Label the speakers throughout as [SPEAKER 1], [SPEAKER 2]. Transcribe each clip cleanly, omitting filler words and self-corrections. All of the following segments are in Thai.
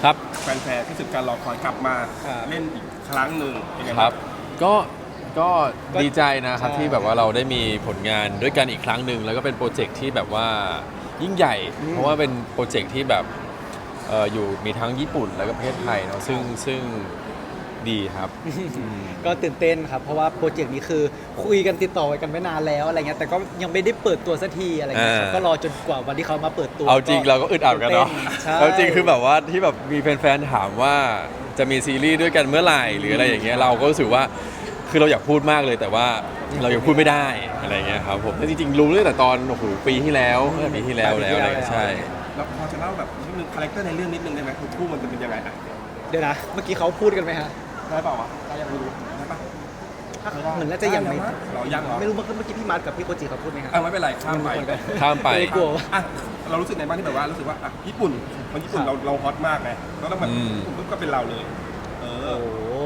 [SPEAKER 1] ครับ
[SPEAKER 2] แฟนๆที่สุดการรอคอยกลับมาเล่นอีกครั้งหนึ่งเป็นไง
[SPEAKER 1] ครั
[SPEAKER 2] บ้าง
[SPEAKER 1] บก็ดีใจนะครับที่แบบว่าเราได้มีผลงานด้วยกันอีกครั้งหนึ่งแล้วก็เป็นโปรเจกต์ที่แบบว่ายิ่งใหญ่ เพราะว่าเป็นโปรเจกต์ที่แบบอยู่มีทั้งญี่ปุ่นแล้วก็ประเทศไทยเนาะซึ่งดีครับ
[SPEAKER 3] ก็ตื่นเต้นครับเพราะว่าโปรเจกต์นี้คือคุยกันติดต่อกันไว้นานแล้วอะไรเงี้ยแต่ก็ยังไม่ได้เปิดตัวสักทีอะไรเงี้ยครับก็รอจนกว่าวันที่เขามาเปิดตัว
[SPEAKER 1] เอาจริงเราก็อึดอัดกันเนาะ
[SPEAKER 3] ใช่
[SPEAKER 1] เอาจริงคือแบบว่าที่แบบมีแฟนๆถามว่าจะมีซีรีส์ด้วยกันเมื่อไหร่หรืออะไรอย่างเงี้ยเราก็รู้สึกว่าคือเราอยากพูดมากเลยแต่ว่าเรายังพูดไม่ได้อะไรเงี้ยครับผมแต่จริงๆรู้ตั้งแต่ตอนโอ้โหปีที่แล้วปีที่แล้วอะไรอย่างเงี้ยใช่
[SPEAKER 2] แล้วพอจะเล่าแบบนิดนึงคาแรคเตอร์ในเรื่องนิดนึงได้ไหมคือคู่มันจะเป็นยังไงอ่ะ
[SPEAKER 3] เดี๋ยวนะเมื่อกี้เขาพูดกันไหมฮะ
[SPEAKER 2] ได้เปล่าวะได้ยังไม่รู้ได้ปะ
[SPEAKER 3] เหมือนน่าจะยังไม่
[SPEAKER 2] เรายังเหรอ
[SPEAKER 3] ไม่รู้เมื่อกี้พี่มาร์ทกับพี่โคจิเขาพูดไหมฮะ
[SPEAKER 2] ไม่เป็นไรข้ามไป
[SPEAKER 1] ข้ามไป
[SPEAKER 3] เลยกลัวว่า
[SPEAKER 2] อ่ะเรารู้สึกในบ้างที่แบบว่ารู้สึกว่าอ่ะญี่ปุ่นคนญี่ปุ่นเราฮอตมากไงแล้วต้องแบบญี่ปุ่นปุ๊บก็เป็นเราเลยเออ
[SPEAKER 3] โอ้โห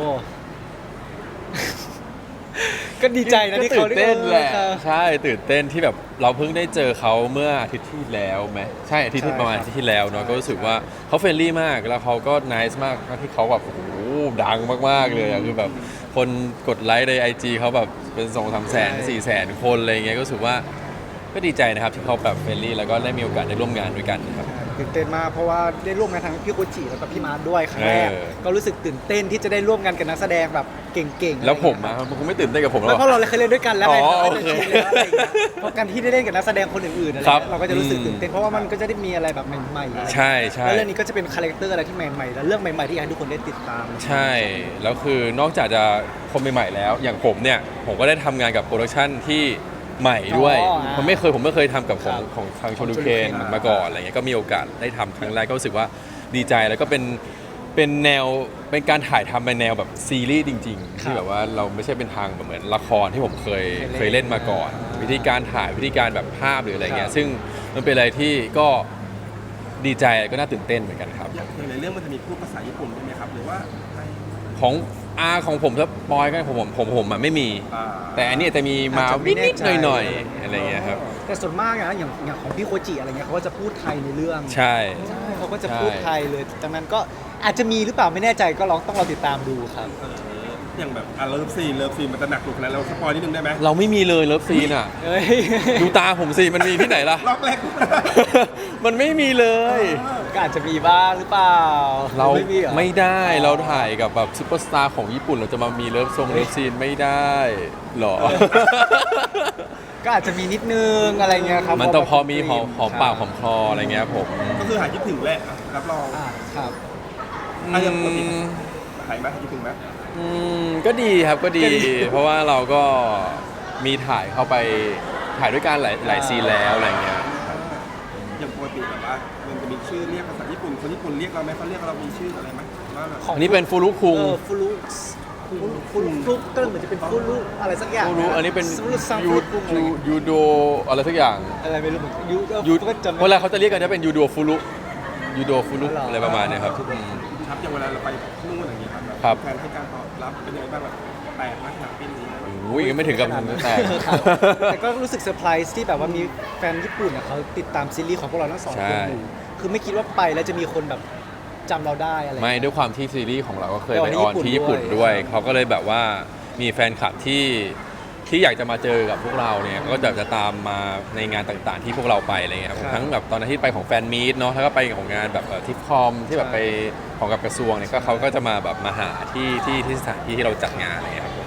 [SPEAKER 3] ก็ดีใจนะที่เขา
[SPEAKER 1] ตื่นเต้นแหละ
[SPEAKER 3] ครับ
[SPEAKER 1] ใช่ตื่นเต้นที่แบบเราเพิ่งได้เจอเขาเมื่ออาทิตย์ที่แล้วไหมใช่อาทิตย์ที่ประมาณอาทิตย์ที่แล้วเนาะก็รู้สึกว่าเขาเฟรนลี่มากแล้วเขาก็น่าสมากที่เขาแบบโอ้โหดังมากๆเลยอะคือแบบคนกดไลค์ใน IG เขาแบบเป็น2-3 แสน4 แสนคนอะไรเงี้ยก็รู้สึกว่าก็ดีใจนะครับที่เขาแบบเฟรนลี่แล้วก็ได้มีโอกาสได้ร่วมงานด้วยกันครับ
[SPEAKER 3] ตื่นเต้นมากเพราะว่าได้ร่วมงานทั้งพี่โคจิแล้วก็พี่มาร์ทด้วยครั้งแรก ก็รู้สึกตื่นเต้นที่จะได้ร่วมงานกับนักแสดงแบบเก่งๆ
[SPEAKER 1] แล้วผมอะมันคงไม่ตื่นเต้นกับผมหร
[SPEAKER 3] ไม่
[SPEAKER 1] อก
[SPEAKER 3] เพราะเราเคยเล่นด้วยกันแล้วไง
[SPEAKER 1] อ๋อ
[SPEAKER 3] เราก็จะ
[SPEAKER 1] โอเค
[SPEAKER 3] ชินแล้วอะไรอย่างเงี้ยเพราะการที่ได้เล่นกับนักแสดงคนอื่นๆอะไร
[SPEAKER 1] ครับ
[SPEAKER 3] เงี้ยเราก็จะรู้สึกตื่นเต้นเพราะว่ามันก็จะได้มีอะไรแบบใหม่ๆ
[SPEAKER 1] ใช่ใช่
[SPEAKER 3] แล้วเรื่องนี้ก็จะเป็นคาแรคเตอร์อะไรที่ใหม่ๆ และเรื่องใหม่ๆที่อยากให้ทุกคนได้ติดตาม
[SPEAKER 1] ใช่ แล้วคือนอกจากจะคนใหม่ๆแล้ว อย่างผมเนี่ย ผมก็ได้ทำงานกับโปรดักชันที่ใหม่ด้วย ผมไม่เคยทำกับของทางโชลูเคนมาก่อนอะไรเงี้ย ก็มีโอกาสได้ทำครั้งแรกก็รู้สึกว่าดีใจแล้วก็เป็นแนวเป็นการถ่ายทำในแนวแบบซีรีส์จริงๆที่แบบว่าเราไม่ใช่เป็นทางแบบเหมือนละครที่ผมเคยเล่นมาก่อน วิธีการถ่ายวิธีการแบบภาพหรืออะไรเงี้ยซึ่งมันเป็นอะไรที่ก็ดีใจก็น่าตื่นเต้นเหมือนกันครับ
[SPEAKER 2] อย่างในเรื่องมันจะมีพูดภาษาญี่ปุ่นด้วยไหมครับหรือว่าไม่
[SPEAKER 1] ของผมถ้าปอยก็ผมอะไม่มี แต่อันนี้จะมีมานิดๆหน่อยๆอะไรเงี้ยครับ
[SPEAKER 3] แต่ส่วนมากอะอย่างของพี่โคจิอะไรเงี้ยเขาก็จะพูดไทยในเรื่อง
[SPEAKER 1] ใช่
[SPEAKER 3] เขาก็จะพูดไทยเลยดังนั้นก็อาจจะมีหรือเปล่าไม่แน่ใจก็ต้องรอติดตามดูครับ
[SPEAKER 2] อย่างแบบเลิฟซีนมันจะหนักกว่านั้นเราสปอยนิดนึงได้ไหม
[SPEAKER 1] เราไม่มีเลยเลิฟซีนอ่ะ
[SPEAKER 3] เอ้ย
[SPEAKER 1] ดูตาผมสิมันมีที่ไหนล่ะ
[SPEAKER 2] ล็อกแรก
[SPEAKER 1] มันไม่มีเลย
[SPEAKER 3] ก็อาจจะมีบ้างหรือเปล่า
[SPEAKER 1] เรา
[SPEAKER 3] ไม่มีเหรอ
[SPEAKER 1] ไม่ได้เราถ่ายกับแบบซุปเปอร์สตาร์ของญี่ปุ่นเราจะมามีเลิฟซีนไม่ได้หรอ
[SPEAKER 3] ก็อาจจะมีนิดนึงอะไรเงี้ยครับ
[SPEAKER 1] มันต้องพอมีหอมปากหอมคออะไรเงี้ยผม
[SPEAKER 2] ก็คือหายคิดถึงแหละรับรอง
[SPEAKER 3] ครับ
[SPEAKER 2] ยังปกติหายไหมหายคิดถึงไหม
[SPEAKER 1] ก็ดีครับก็ดี เพราะว่าเราก็มีถ่ายเข้าไปถ่ายด้วยกันหลายซีนแล้วอะไรเงี้ย
[SPEAKER 2] อย่างปกติแบบว่ามันจะมีชื่อเรียกภาษาญี่ปุ่นคนญี่ปุ่นเรียกเราไหมเขาเรียกเรามีชื่ออะไรไหมว่าแบบ
[SPEAKER 1] อันนี้เป็นฟูรุคุง
[SPEAKER 3] ฟูรุก็เหมือนจะเป็นฟูรุอะไรสักอย่าง
[SPEAKER 1] ฟูรุอันนี้เป็น
[SPEAKER 3] ฟูรุซัง
[SPEAKER 1] ยู
[SPEAKER 3] ฟูรุคุงอะไรเงี้ย
[SPEAKER 1] ยูโดอะไรสักอย่าง
[SPEAKER 3] อะไรไม่รู้เหมือนกันยู
[SPEAKER 1] ยู
[SPEAKER 3] ก็จำไม่
[SPEAKER 1] เวลาเขาจะเรียกกันจะเป็นยูโดฟูรุ
[SPEAKER 3] อ๋อเหรออ
[SPEAKER 1] อะไรประมาณเนี้ยครับ
[SPEAKER 2] ครับอย่างเวลาเราไปนู่นอย่างนี้ครับ
[SPEAKER 1] ครับ
[SPEAKER 2] แฟนให้การตอบรับเป็นยังไงบ้างแบบแปลกมากขนาดนี้
[SPEAKER 1] อุ้ยยังไม่ถึงกับแต่
[SPEAKER 3] ครับแต่ก็รู้สึกเซอร์ไพรส์ที่แบบว่ามีแฟนญี่ปุ่นเขาติดตามซีรีส์ของพวกเราทั้งสองคนอยู่คือไม่คิดว่าไปแล้วจะมีคนแบบจำเราได้อะไร
[SPEAKER 1] ไม่ด้วยความที่ซีรีส์ของเราก็เคย
[SPEAKER 3] ไป
[SPEAKER 1] ไป
[SPEAKER 3] อ
[SPEAKER 1] อ
[SPEAKER 3] อ
[SPEAKER 1] อน น
[SPEAKER 3] ที่
[SPEAKER 1] ที่
[SPEAKER 3] ญี่
[SPEAKER 1] ญี่
[SPEAKER 3] ปุ่
[SPEAKER 1] ปุ่
[SPEAKER 3] น
[SPEAKER 1] น
[SPEAKER 3] ด้
[SPEAKER 1] ด้
[SPEAKER 3] ว
[SPEAKER 1] วย ยเขาก็เลยแบบว่ามีแฟนคลับที่อยากจะมาเจอกับพวกเราเนี่ยก็จะตามมาในงานต่างๆ ที่พวกเราไปอะไรเงี้ยครับทั้งแบบตอนนั้นที่ไปของแฟนมีตเนาะแล้วก็ไปของงานแบบทิปคอมที่แบบไปของกับกระทรวงเนี่ยก็เขาก็จะมาแบบมาหาที่สถานที่ที่เราจัดงานอะไรเงี้ยครับผม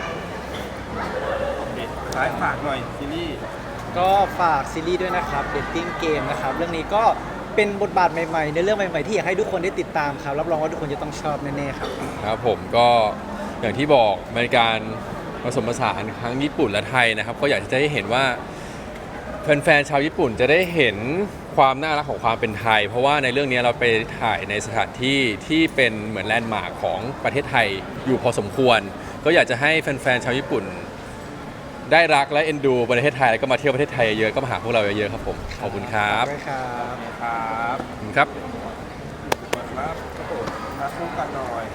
[SPEAKER 2] ท้ายฝากหน่อยซีรีส์
[SPEAKER 3] ก็ฝากซีรีส์ด้วยนะครับ Dating Game นะครับเรื่องนี้ก็เป็นบทบาทใหม่ๆในเรื่องใหม่ๆที่อยากให้ทุกคนได้ติดตามครับรับรองว่าทุกคนจะต้องชอบแน่ๆครับ
[SPEAKER 1] ครับผมก็อย่างที่บอกในการผสมผสานทั้งญี่ปุ่นและไทยนะครับก็อยากจะให้เห็นว่าแฟนๆชาวญี่ปุ่นจะได้เห็นความน่ารักของความเป็นไทย เพราะว่าในเรื่องนี้เราไปถ่ายในสถานที่ที่เป็นเหมือนแลนด์มาร์คของประเทศไทยอยู่พอสมควร ก็อยากจะให้แฟนๆชาวญี่ปุ่น ได้รักและเอ็นดูประเทศไทยแล้วก็มาเที่ยวประเทศไทยเยอะก็มาหาพวกเราเยอะๆครับผมขอบคุณครับ
[SPEAKER 3] ขอบคุณครับ
[SPEAKER 2] ครับ
[SPEAKER 1] ขอบคุณครับ
[SPEAKER 2] เปิดรับรับคู่กันหน่อย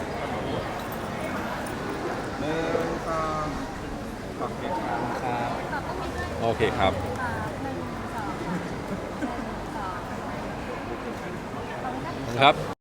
[SPEAKER 2] หนึ่งสองโอเคครับ
[SPEAKER 3] ครับ
[SPEAKER 1] โอเคครับขอบคุณครับ